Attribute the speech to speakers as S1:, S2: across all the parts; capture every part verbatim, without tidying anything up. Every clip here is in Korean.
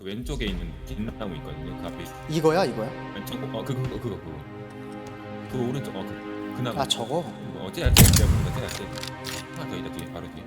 S1: 그 왼쪽에 있는 뒷나무 있거든요. 그 앞에 있어.
S2: 이거야 이거야?
S1: 아니 저거 어 그거 그거 그거 그거 그 오른쪽 어그 그 나무.
S2: 아 저거?
S1: 어 쟤야 쟤 내가 보는 거 쟤야 쟤. 하나 더 있다 뒤에 바로 뒤에.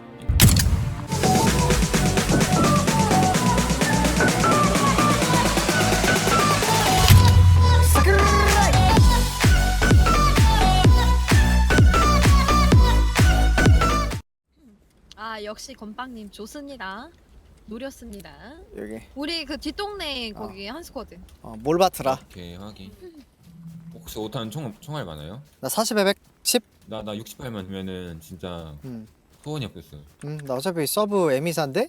S3: 아 역시 건빵님 좋습니다. 노렸습니다.
S2: 여기
S3: 우리 그 뒷동네 거기 한 스쿼드.
S2: 어, 몰바트라.
S1: 오케이 확인. 혹시 오 탄 총 총알 많아요?
S2: 나 사십에 백십.
S1: 나 나 육십팔만 되면은 진짜
S2: 음.
S1: 소원이 없겠어.
S2: 음, 나 어차피 서브 에미사인데?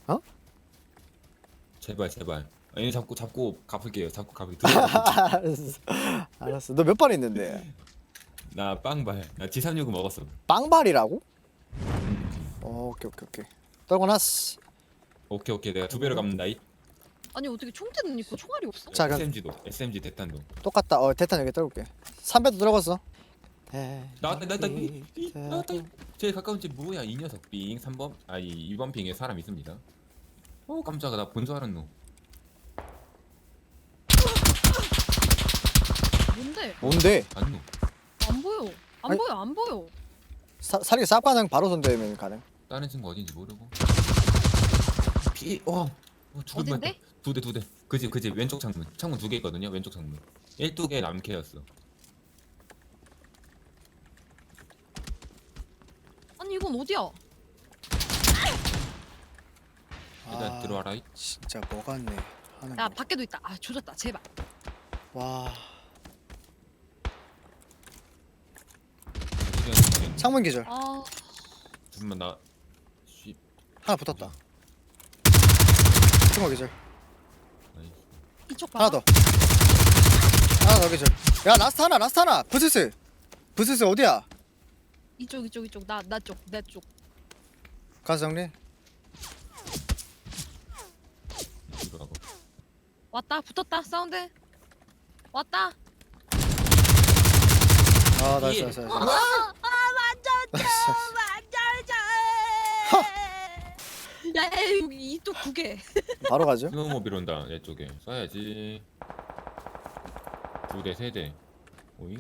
S1: 제발 제발. 아니 잡고 잡고 갚을게요. 잡고 갚을게.
S2: 알았어. 알았어. 너 몇 발 있는데?
S1: 나 빵발. 나 지삼육은 먹었어.
S2: 빵발이라고?
S1: 음.
S2: 어, 오케이 오케이 오케이. 떨궈놨어.
S1: 오케이 오케이 내가 두 배로 갚는다 이.
S3: 아니 어떻게 총대는 있고 총알이 없어?
S2: 자, 그럼
S1: 에스엠지도 에스엠지 대탄도.
S2: 똑같다. 어, 대탄 여기 떨굴게. 삼배도 떨궜어.
S1: 나왔다 나왔다 나왔다. 제일 가까운 집 뭐야 이 녀석 빙 삼 번 아니 이 번 빙에 사람 있습니다. 어 깜짝아 나 본 줄 알았노.
S3: 뭔데?
S2: 뭔데?
S1: 안노.
S3: 안 보여. 안
S2: 아니-
S3: 보여. 안 보여.
S2: 사, 사리 쌉가능 바로 손대면 가능.
S1: 다른 친구 어딘지 모르고. 피 어. 어 죽을
S3: 어딘데?
S1: 뻔했다. 두 대 두 대. 그 집 그 집 왼쪽 창문 창문 두 개 있거든요 왼쪽 창문. 일두 개 남캐였어.
S3: 아니 이건 어디야?
S1: 일단 들어와라 이.
S2: 진짜 뭐 같네. 하는
S3: 야
S2: 거.
S3: 밖에도 있다. 아 조졌다. 제발.
S2: 와.
S1: 창
S2: 창문 기절.
S3: 아
S1: 잠깐만 나 쉬.
S2: 하나 붙었다. 창문 기절.
S1: 나이스.
S3: 이쪽 봐.
S2: 하나 더. 하나 더 기절. 야, 라스트 하나, 라스트 하나. 부스스. 부스스 어디야?
S3: 이쪽 이쪽 이쪽 나 나 쪽 내 쪽.
S2: 가서 정리.
S1: 들어가고.
S3: 왔다. 붙었다. 사운드. 왔다.
S2: 아, 나이스,
S1: 예.
S2: 나이스, 나이스.
S3: 아 완전 완전 야, 야 여기 이쪽 두 개.
S2: 바로 가죠.
S1: 스노우모빌 온다 내 쪽에 쏴야지. 두 대 세 대. 오잉?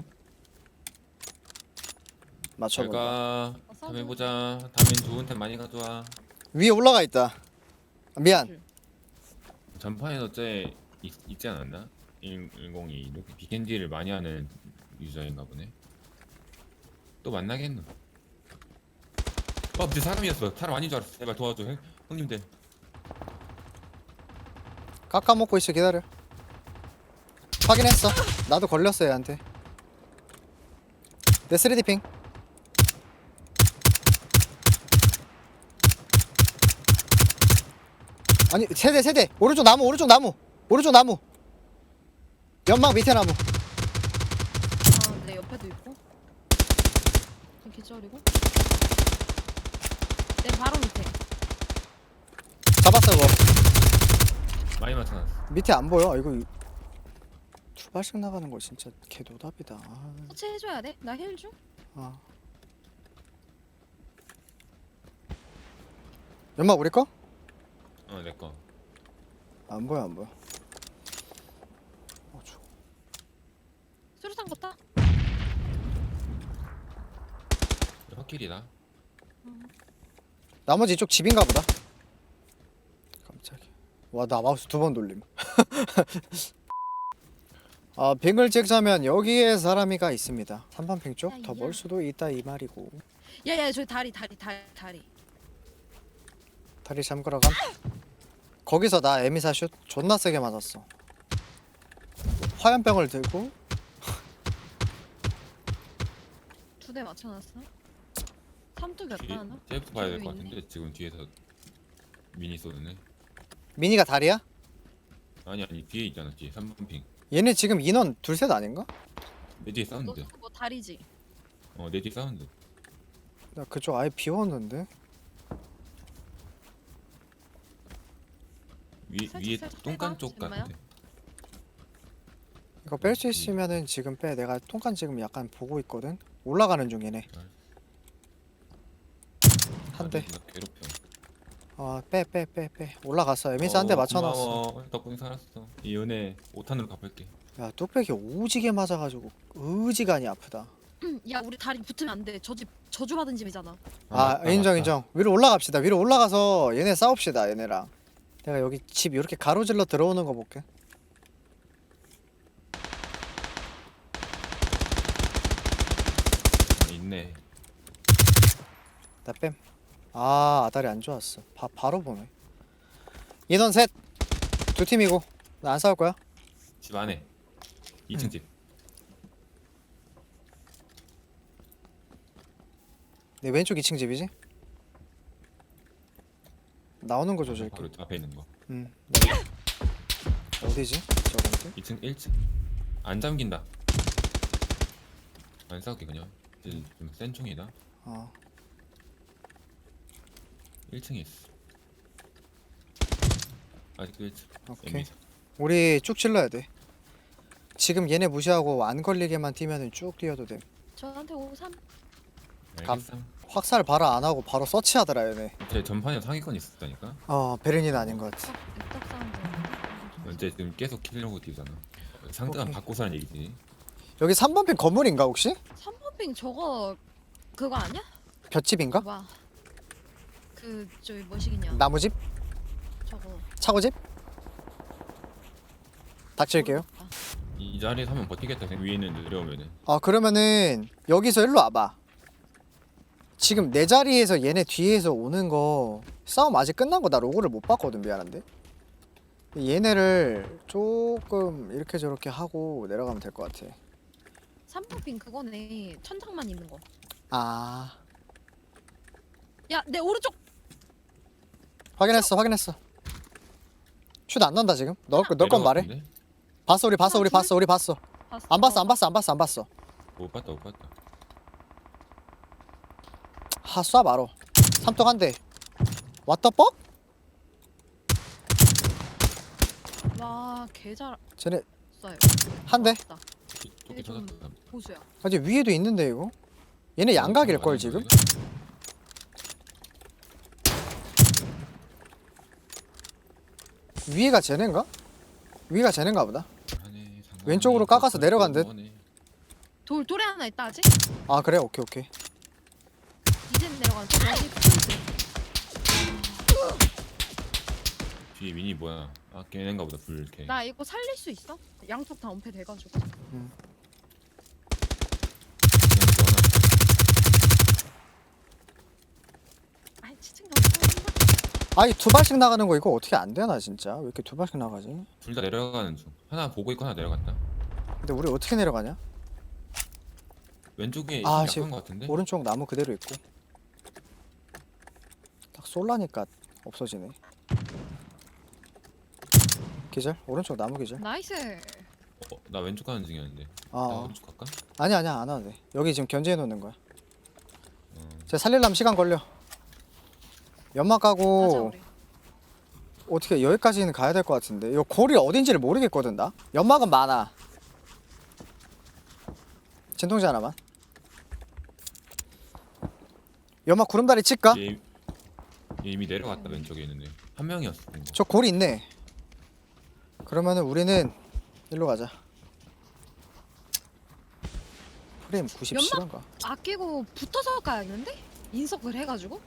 S2: 맞춰봐.
S1: 잘가. 다음에 보자. 다음엔 좋은 템 많이 가져와.
S2: 위에 올라가 있다. 미안.
S1: 전판에서 쟤 있, 있지 않았나? 일공이 이렇게 비켄디를 많이 하는 유저인가 보네. 또 만나겠노. 어, 근데 사람이었어. 사람 아닌 줄 알았어. 제발 도와줘, 형, 형님들.
S2: 깎아 먹고 있어. 기다려. 확인했어. 나도 걸렸어 얘한테. 내 쓰리디 핑. 아니 세대 세대. 오른쪽 나무 오른쪽 나무 오른쪽 나무. 연막 밑에 나무.
S3: 아내 옆에도 있고. 그 기절이고. 내 바로 밑에.
S2: 잡았어 그거.
S1: 많이 맞춰놨어.
S2: 밑에 안 보여. 이거 이- 두 발씩 나가는 거 진짜 개노답이다. 아,
S3: 터치해줘야 돼. 나 힐 줘.
S2: 아. 연막 우리 거?
S1: 어, 내 거.
S2: 안 보여 안 보여. 어, 저-
S3: 수류탄 걷다.
S1: 헛길이다.
S2: 나머지 이쪽 집인가 보다. 깜짝이야. 와, 나 마우스 두 번 돌림. 아, 빙을 찍자면 여기에 사람이가 있습니다. 삼 번 빙 쪽 더 멀 수도 있다 이 말이고.
S3: 야야 저기 다리 다리 다리 다리.
S2: 다리 잠그러 감. 거기서 나 에미사 슛 존나 세게 맞았어. 화염병을 들고
S3: 두 대 맞춰놨어. 삼뚝이었다
S1: 뒤에,
S3: 하나.
S1: 쟤부터 봐야 될 것
S3: 뒤에
S1: 같은데 지금 뒤에서 미니 쏘드네.
S2: 미니가 다리야?
S1: 아니 아니 뒤에 있잖아 뒤에 삼 번 핑.
S2: 얘네 지금 인원 둘셋 아닌가?
S1: 내 뒤에 사운드.
S3: 너뭐 다리지?
S1: 어, 내 뒤에 사운드.
S2: 나 그쪽 아예 비웠는데.
S1: 위
S3: 살짝,
S1: 위에
S3: 살짝
S1: 똥간
S3: 빼봐,
S1: 쪽
S3: 잼마야.
S1: 같아.
S2: 이거 뺄 수 있으면은 지금 빼. 내가 통간 지금 약간 보고 있거든. 올라가는 중이네. 한 대.
S1: 나 괴롭혀.
S2: 어빼 빼 빼 빼 올라갔어. 에미사 한 대
S1: 어,
S2: 맞춰놨어.
S1: 고마워. 덕분에 살았어. 이 은혜 오 탄으로 갚을게.
S2: 야 뚝배기 오지게 맞아가지고 의지간이 아프다.
S3: 야 우리 다리 붙으면 안 돼. 저 집 저주받은 집이잖아.
S2: 아,
S1: 맞다,
S2: 인정
S1: 맞다.
S2: 인정. 위로 올라갑시다. 위로 올라가서 얘네 싸웁시다. 얘네랑. 내가 여기 집 이렇게 가로질러 들어오는 거 볼게.
S1: 아, 있네.
S2: 나 뺨. 아 아다리 안 좋았어. 바, 바로 보네. 인원 셋. 두 팀이고 나 안 싸울 거야.
S1: 집 안에. 이 층 집.
S2: 내 왼쪽 이 층 집이지? 나오는 거 조절게.
S1: 바로 앞에 있는 거.
S2: 음. 나 어디지? 저건데?
S1: 이 층 일 층. 안 잠긴다. 안 싸울게 그냥. 좀센 총이다.
S2: 어.
S1: 일 층에 있어. 아직도 일 층.
S2: 오케이.
S1: 엠비사.
S2: 우리 쭉 질러야 돼. 지금 얘네 무시하고 안 걸리게만 뛰면은 쭉 뛰어도 돼.
S3: 저한테 오삼.
S1: 알겠어.
S2: 확살 바로 안 하고 바로 서치하더라 얘네.
S1: 제 전판에 상위권 있었다니까.
S2: 어 베르닌 아닌 것 같아.
S3: 입덕 사운드.
S1: 이제 지금 계속 키려고 뛰잖아. 상대방
S2: 오케이.
S1: 바꿔서는 얘기지.
S2: 여기 삼 번 핀 건물인가 혹시?
S3: 삼 번 빙 저거 그거 아니야?
S2: 볏집인가?
S3: 와. 그 저기 뭐시기냐?
S2: 나무집?
S3: 저거.
S2: 차고집? 닥칠게요.
S3: 모르겠다.
S1: 이 자리에서 하면 버티겠다. 위에 있는 내려오면은.
S2: 아 그러면은 여기서 일로 와봐. 지금 내 자리에서 얘네 뒤에서 오는 거 싸움 아직 끝난 거 나 로고를 못 봤거든. 미안한데 얘네를 조금 이렇게 저렇게 하고 내려가면 될 것 같아.
S3: 삼 번 빙 그거네. 천장만 있는 거.
S2: 아
S3: 야 내 오른쪽.
S2: 확인했어 확인했어. 슛 안 난다 지금. 너건 말해.
S1: 내려갔는데?
S2: 봤어 우리 봤어 우리 봤어 우리 봤어.
S3: 봤어.
S2: 안 봤어 안 봤어 안 봤어 안 봤어.
S1: 못 봤다 못 봤다.
S2: 하 쏴 바로. 삼뚝 한 대. 왓더 뻑?
S3: 와 개잘
S2: 쟤네
S3: 쏴요.
S2: 한 대.
S3: 맞다.
S1: 토끼
S3: 좀
S1: 터졌다.
S3: 보수야.
S2: 아직 위에도 있는데 이거. 얘네 양각일 걸 지금. 위에가 쟤네인가? 위가 쟤네인가 보다. 왼쪽으로 깎아서 내려간 듯.
S3: 돌 돌에 하나 있다 아직?
S2: 아 그래 오케이 오케이.
S3: 이제 내려가는 저 여기 포인트.
S1: 뒤에 미니 뭐야? 아 걔네인가 보다 불 이렇게.
S3: 나 이거 살릴 수 있어? 양쪽 다 은폐 돼가지고. 아이 치층 가면
S2: 아니 두 발씩 나가는 거 이거 어떻게 안 되나 진짜? 왜 이렇게 두 발씩 나가지?
S1: 둘다 내려가는 중. 하나 보고 있고 하나 내려갔다.
S2: 근데 우리 어떻게 내려가냐?
S1: 왼쪽에
S2: 아,
S1: 아,
S2: 지금
S1: 약한 것 같은데?
S2: 오른쪽 나무 그대로 있고. 딱 쏠라니까 없어지네. 기절? 오른쪽 나무 기절?
S3: 나이스.
S1: 어, 나 왼쪽 가는 중이었는데.
S2: 아,
S1: 나
S2: 어.
S1: 오른쪽 갈까?
S2: 아니 아니야 안 와도 돼. 여기 지금 견제해 놓는 거야.
S1: 어.
S2: 제가 살릴라면 시간 걸려. 연막
S3: 가자
S2: 가고
S3: 우리.
S2: 어떻게 여기까지는 가야 될 것 같은데 이거 골이 어딘지를 모르겠거든 나. 연막은 많아. 진통제 하나만. 연막 구름다리 칠까?
S1: 얘, 얘 이미 내려갔다 왼쪽에 있는데 한 명이었어. 근데.
S2: 저 골이 있네. 그러면은 우리는 일로 가자. 프레임 구십칠인가?
S3: 아끼고 붙어서 가야겠는데? 인석을 해가지고.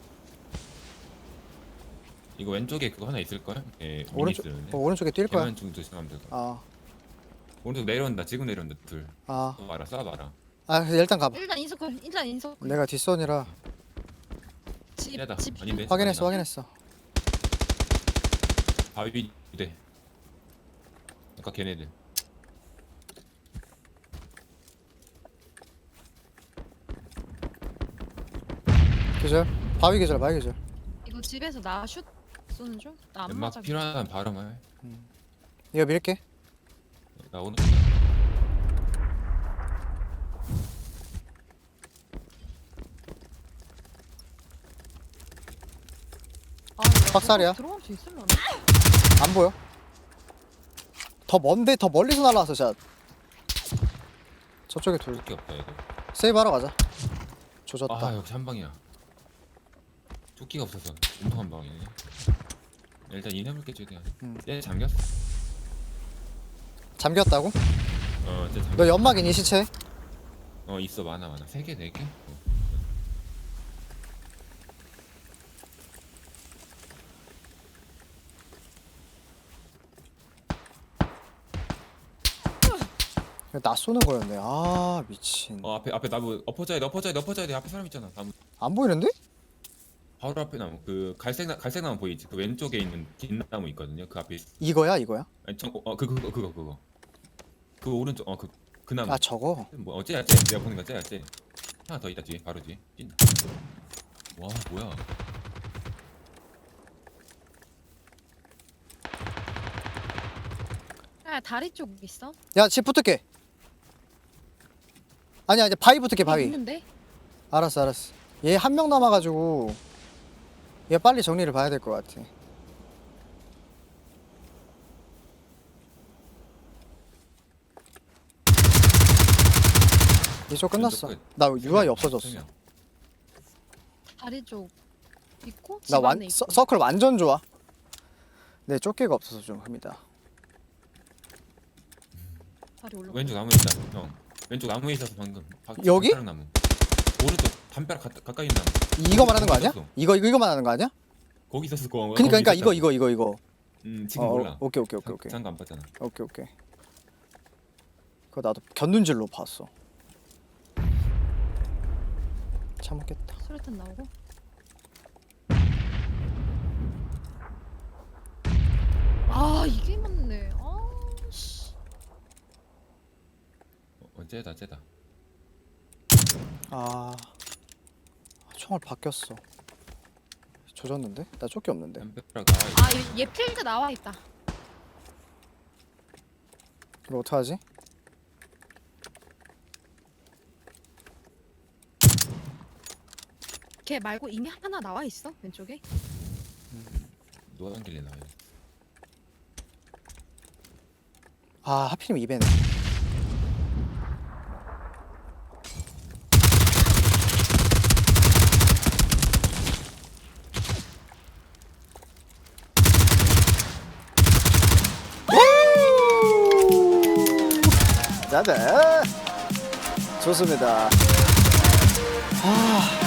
S1: 이거 왼쪽에 그거 하나 있을 거야? 예, 미니
S2: 오른쪽
S1: 쓰는데.
S2: 어, 오른쪽에 뛸 거야.
S1: 걔만 좀 조심하면 될 거야.
S2: 아,
S1: 오른쪽 내려온다. 지금 내려온다. 둘.
S2: 아,
S1: 쏴봐라. 쏴봐라.
S2: 아 그래서 일단 가봐.
S3: 일단 인석을 일단 인석.
S2: 내가 뒷선이라
S3: 집
S1: 야다.
S3: 집.
S1: 아닌데.
S2: 확인했어,
S1: 아니나.
S2: 확인했어.
S1: 바위 돼. 아까 걔네들.
S2: 기절. 바위 기절, 바위 기절.
S3: 이거 집에서 나 슛 쏘는 중? 나 안
S1: 연막
S3: 맞아.
S1: 필요하다면 바로 말.
S2: 이거 밀게.
S1: 나 오늘
S3: 아, 이거
S2: 박살이야.
S3: 들어갈 수 있으면.
S2: 안 보여. 더 먼데 더 멀리서 날라와서 자. 저쪽에 둘.
S1: 게 없다 얘들.
S2: 세이브 하러 가자. 조졌다.
S1: 아 역시 한 방이야. 조끼가 없어서 엄청 한 방이네. 일단 인해볼게 최대한.
S2: 음.
S1: 얘 잠겼어.
S2: 잠겼다고?
S1: 어, 쟤 잠겼어.
S2: 너 연막 있니 시체?
S1: 어 있어 많아 많아. 세 개, 네 개. 어.
S2: 나 쏘는 거였네. 아 미친.
S1: 어 앞에 앞에 나무 엎어져야 돼 엎어져야 돼 엎어져야 돼. 앞에 사람 있잖아. 나무
S2: 안 보이는데?
S1: 바로 앞에 나무. 그 갈색 나 갈색 나무 보이지? 그 왼쪽에 있는 긴 나무 있거든요. 그 앞에 있...
S2: 이거야 이거야?
S1: 아니 어그 그거 그거 그거. 그 오른쪽 어 그 그 나무.
S2: 아 저거.
S1: 뭐 어째야 쟤 내가 보는 거 쟤야 쟤. 하나 더 있다 뒤에 바로 뒤에. 찐. 와 뭐야?
S3: 아 다리 쪽 있어?
S2: 야 집 붙을게. 아니야 이제 바위 붙을게 바위.
S3: 있는데?
S2: 알았어 알았어. 얘 한 명 남아가지고 얘 빨리 정리를 봐야 될 것 같아. 이쪽 끝났어.
S1: 끝.
S2: 나
S1: 세
S2: 유아이
S1: 명,
S2: 없어졌어.
S1: 세 명.
S3: 다리 쪽 있고 집
S2: 나
S3: 안에
S2: 완
S3: 있고.
S2: 서, 서클 완전 좋아. 네 쫓기가 없어서 좀 흡니다.
S3: 다리 올라.
S1: 왼쪽 나무에 있다 형. 왼쪽 나무에 있어서 방금. 바-
S2: 여기?
S1: 담벼락 나무. 오른쪽 담벼락 가, 가까이 있는 나무.
S2: 이거 말하는 거 아니야?
S1: 있었어.
S2: 이거 이거 이거 말하는 거 아니야?
S1: 거기 있었을 거.
S2: 그니까 그니까 이거 이거 이거 이거.
S1: 음 지금
S2: 어,
S1: 몰라.
S2: 오케이 오케이 오케이 오케이.
S1: 장도 안 봤잖아.
S2: 오케이 오케이. 그거 나도 견눈질로 봤어. 참겠다.
S3: 수류탄 나오고. 아 이게 맞네. 아 씨.
S1: 어, 어 쟤다 쟤다.
S2: 아 총알 바뀌었어. 조졌는데? 나 쫓기 없는데.
S1: 담벼락 나와 있다.
S3: 아얘 얘 필드 나와 있다.
S2: 이거 어떡하지?
S3: 걔 말고 이미 하나 나와 있어 왼쪽에.
S1: 노란 길에 나와 있어.
S2: 아 하필이면 이배네. 자자 좋습니다. 아